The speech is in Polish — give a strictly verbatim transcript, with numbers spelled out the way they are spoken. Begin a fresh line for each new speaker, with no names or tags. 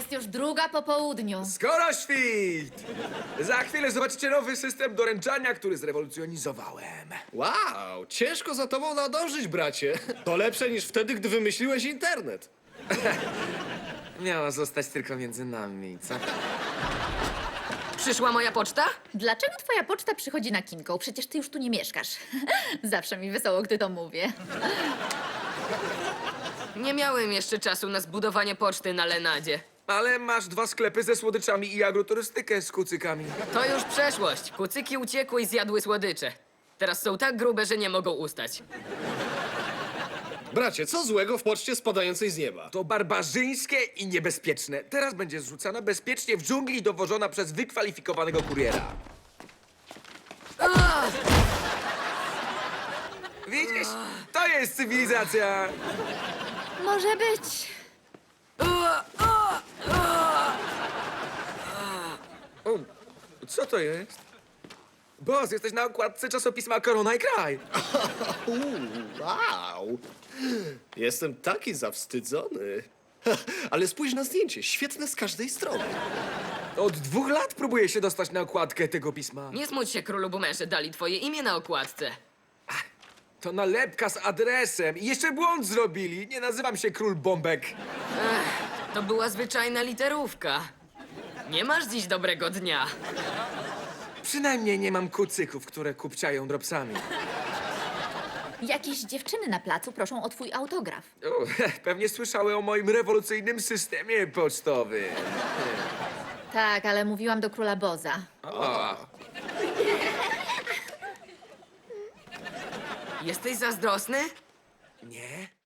Jest już druga po południu.
Skoro świt! Za chwilę zobaczycie nowy system doręczania, który zrewolucjonizowałem.
Wow, ciężko za tobą nadążyć, bracie. To lepsze niż wtedy, gdy wymyśliłeś internet.
Miała zostać tylko między nami, co?
Przyszła moja poczta?
Dlaczego twoja poczta przychodzi na Kinką? Przecież ty już tu nie mieszkasz. Zawsze mi wesoło, gdy to mówię.
Nie miałem jeszcze czasu na zbudowanie poczty na Lenadzie.
Ale masz dwa sklepy ze słodyczami i agroturystykę z kucykami.
To już przeszłość. Kucyki uciekły i zjadły słodycze. Teraz są tak grube, że nie mogą ustać.
Bracie, co złego w poczcie spadającej z nieba?
To barbarzyńskie i niebezpieczne. Teraz będzie zrzucana bezpiecznie w dżungli i dowożona przez wykwalifikowanego kuriera. Widzisz? To jest cywilizacja.
Może być.
O, co to jest? Boss, jesteś na okładce czasopisma Korona i Kraj.
Wow! Jestem taki zawstydzony. Ale spójrz na zdjęcie, świetne z każdej strony.
Od dwóch lat próbuję się dostać na okładkę tego pisma.
Nie smuć się, królu bumerze, dali twoje imię na okładce.
To nalepka z adresem. I jeszcze błąd zrobili. Nie nazywam się Król Bombek.
To była zwyczajna literówka. Nie masz dziś dobrego dnia.
Przynajmniej nie mam kucyków, które kupciają dropsami.
Jakieś dziewczyny na placu proszą o twój autograf.
O, pewnie słyszały o moim rewolucyjnym systemie pocztowym.
Tak, ale mówiłam do króla Boza.
Jesteś zazdrosny?
Nie?